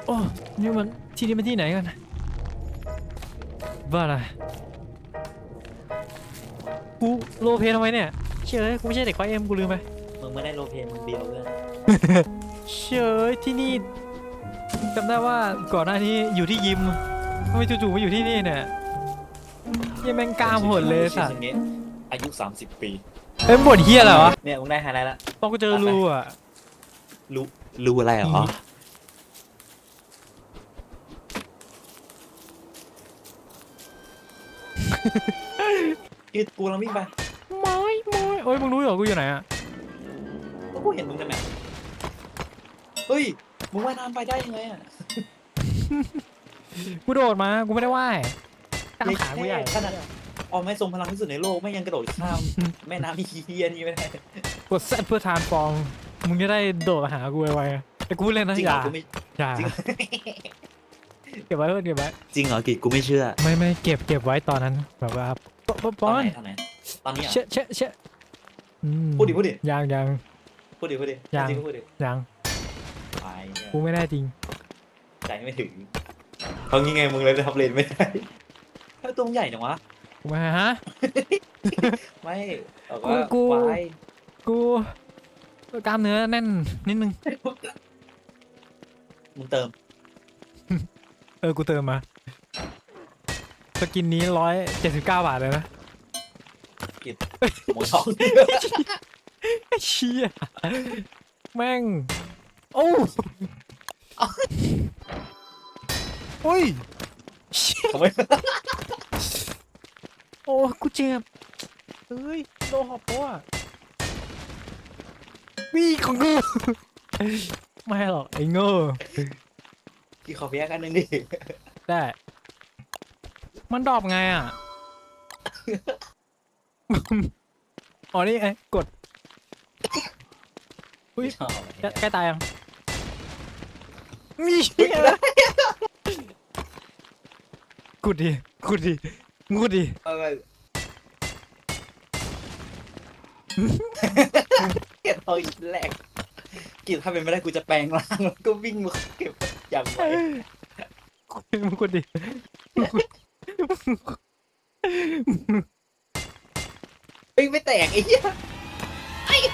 โอ้นี่มันที่นี่มันที่ไหนกันบ้าอะไรกูโลเพทำไมเนี่ยเชื่อกูไม่ใช่เด็กไฟเอ็มกูลืมไปมึงไม่ได้โรลเพลย์มึงเบียวเพื่อนเชื่อที่นี่จำได้ว่าก่อนหน้านี้อยู่ที่ยิมทำไมจู่ๆมาอยู่ที่นี่เนี่ยยังแม่งกล้ามโหดเลยสัตว์อายุ30 ปีเอ้ยบ่นเฮียอะไรวะเนี่ยมึงได้ไฮไลท์ละตอนกูเจอรูอ่ะรู้อะไรเหรอยืดกูกำลังวิ่งไปไม่โอ้ยมึงรู้เหรอกูอยู่ไหนอ่ะก็กูเห็นมึงในแมปเฮ้ยมึงว่ายน้ำไปได้ยังไงอ่ะกูโดดมากูไม่ได้ว่ายกล้ามขากูใหญ่ขนาดออกไม่ทรงพลังที่สุดในโลกไม่ยังกระโดดข้ามแม่น้ำที่เฮียนี่ไม่ได้กดเซตเพื่อทานฟองมึงจะได้โดดมาหากูไวๆแต่กูเล่นนะจริงอเหรย่าอกูไม่อย่าจริงเก็บไว้เพื่อนเก็บไว้จริงเหรอกิจกูไม่เชื่อไม่เก็บไว้ตอนนั้นแบบว่าปตออนนไหนตอนไหนตอนนี้อ่ะเชะพูดดิยังพูดดิยังจริงก็พูดดิยังไปกูไม่ได้จริงใจไม่ถึงเขางี้ไงมึงเลยทับเลนไม่ได้เฮ้ยตัวมึงใหญ่จังวะกูมาฮะไม่แต่ว่ากูวายกูกล้ามเนื้อแน่นนิดนึงมึงเติมกูเติมมาสกินนี้179 บาทเลยนะหมูท้องเชี่ยแม่งโอ้โอ้ยเชี่ยทำไมโอ้กูเจ็บเฮ้ยโดนหอบตัววิ่งของกูไม่หรอกไอ้โง่กี่ขอเพียกันนึงดิได้มันดรอปไงอ่ะ อ๋อนี่ไงกดอุ้ยชอบใกล้ตายยังมีเหี้ยกูดดิกูดดิเก็บเอาอีกแรกกิจถ้าเป็นไม่ได้กูจะแปลงร่างแล้วก็วิ่งมาเก็บอย่างไวกูดดิเฮ้ยไม่แตกไอ้เหี้ยเฮ้ย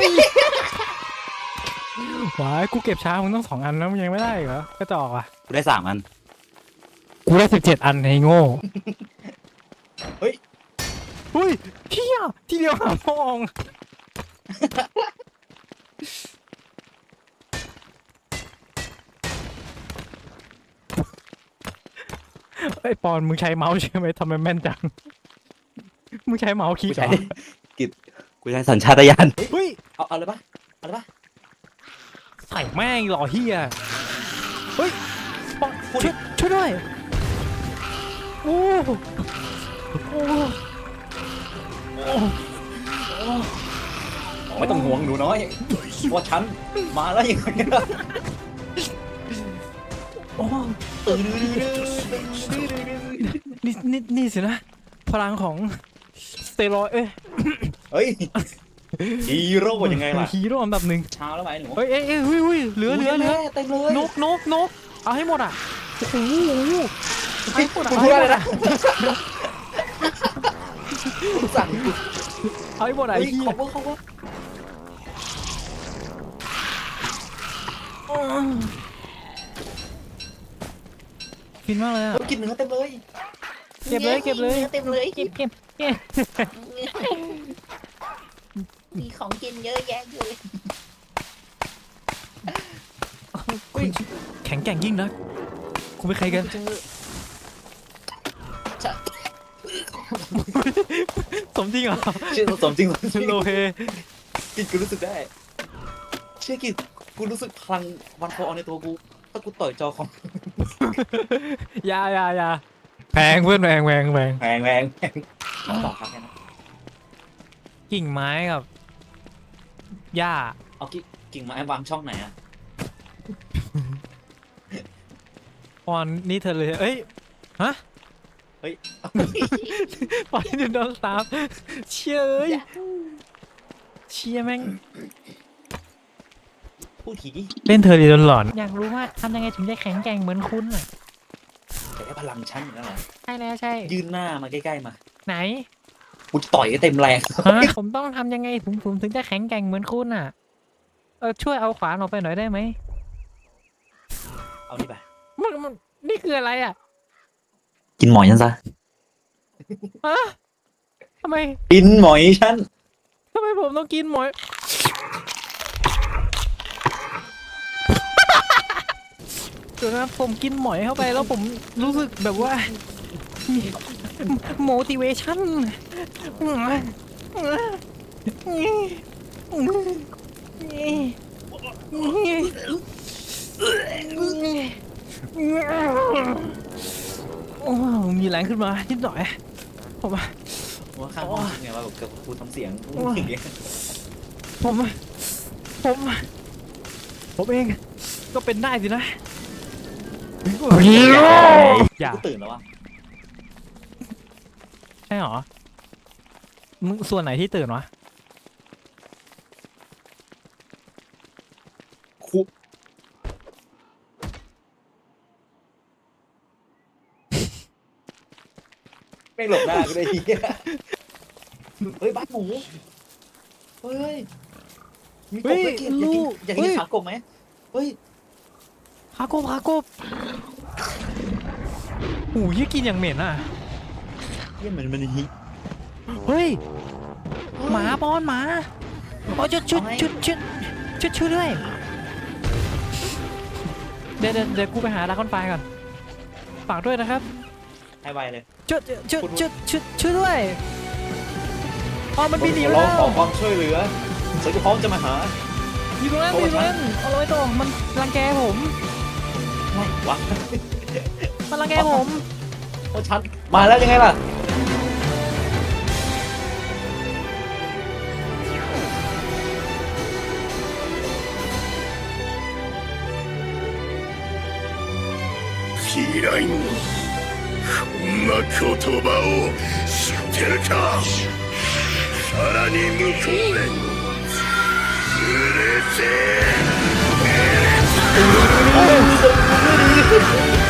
หวายกูเก็บช้ามึงต้อง2 อันแล้วมึงยังไม่ได้เหรอก็จะออกอ่ะกูได้3 อันกูได้17 อันไอ้โง่เฮ้ยเฮ้ยเฮียทีเดียวหาพองไอ้ปอนมึงใช้เมาส์ใช่ไหมทำไมแม่นจังมึงใช้เมาส์คลิกูกเหรใช้อกิจกูใช้สัญชาตญาณเฮ้ยเอาเลยปะเอาเลยปะใส่แม่งหล่อเฮียเฮ้ยปอนพูดดิช่วยด้วยโอ้โอ้ไม่ต้องห่วงหนูน้อยว่าฉันมาแล้วยังไงล่ะโอ้นี่สินะพลังของสเตียรอยด์เฮ้ยฮีโร่ยังไงล่ะฮีโร่อันดับ 1 เช้าแล้วไหมหนูเฮ้ยเหลือเต็มเลยนกเอาให้หมดอ่ะโอ้โหเอาให้หมดอ่ะกูพูดอะไรนะสั่งกูเอาให้หมดอ่ะไอ้ไอ้เหี้ยเขาว่าฟินมากเลยอ่ะกินเนื้อเต็มเลยเก็บเลยเต็มเลยเก็บมีของกินเยอะแยะเลยคุณแข็งแกร่งยิ่งนะคุณเป็นใครกันเจอสมจริงเหรอชื่อสมจริงโลเพกินกูรู้สึกได้เชื่อกินกูรู้สึกพลังวันโฟอในตัวกูถ้ากูต่อยจอของยาแพงเพื่อนแพงแพงต่อครับแค่นั้นกิ่งไม้กับหญ้าเอากิ่งไม้วางช่องไหนอ่ะปอนนี่เธอเลยเอ้ยฮะเฮ้ยปอนนี่โดนตามเชี่ยแม่งพูดทีดิเล่นเธอดีจนหลอนอยากรู้ว่าทำยังไงถึงได้แข็งแกร่งเหมือนคุณอ่ะแต่ได้พลังฉันอย่างนั้นเหรอใช่แล้วใช่ยื่นหน้ามาใกล้ๆมาไหนกูจะต่อยให้เต็มแรงฮะผมต้องทำยังไงผมถึงจะแข็งแกร่งเหมือนคุณอ่ะช่วยเอาขวานออกไปหน่อยได้ไหมเอานี่ไปมันนี่คืออะไรอ่ะกินหมอยฉันซะฮะทำไมกินหมอยฉันทำไมผมต้องกินหมอยเดี๋ยวนะผมกินหมอยเข้าไปแล้วผมรู้สึกแบบว่า motivation โอ้มีแรงขึ้นมานิดหน่อยผมว่าว่าข้างห้องไงว่าแบบกับกูทำเสียงอย่างเงี้ยผมเองก็เป็นได้สินะอย่ากูตื่นแล้ววะใช่หรอมึงส่วนไหนที่ตื่นวะคุไม่หลบหน้ากูเลยทีเหี้ยเฮ้ยบ้านหมูเฮ้ยมีกบด้วยเกดอยากกินขากบไหมเฮ้ยพากบโอ้ยกินอย่างเหม็นอ่ะเยี่ยมันฮิเฮ้ยหมาป้อนหมาโอ้ยชุดด้วยเดี๋ยวกูไปหาดราก้อนไฟก่อนฝากด้วยนะครับให้ไวเลยช่วยด้วยอ๋อมันบินหนีร้แล้องขอวความช่วยเหลือฉันก็พร้อมจะมาหาอยู่ตรงนั้นเอาเลยตัวมันรังแกผมไม่วะมันรังแกผมโอ้ชัดมาแล้วยังไงล่ะ嫌いこんな言葉を知ってるかさらに向こうでうるせえ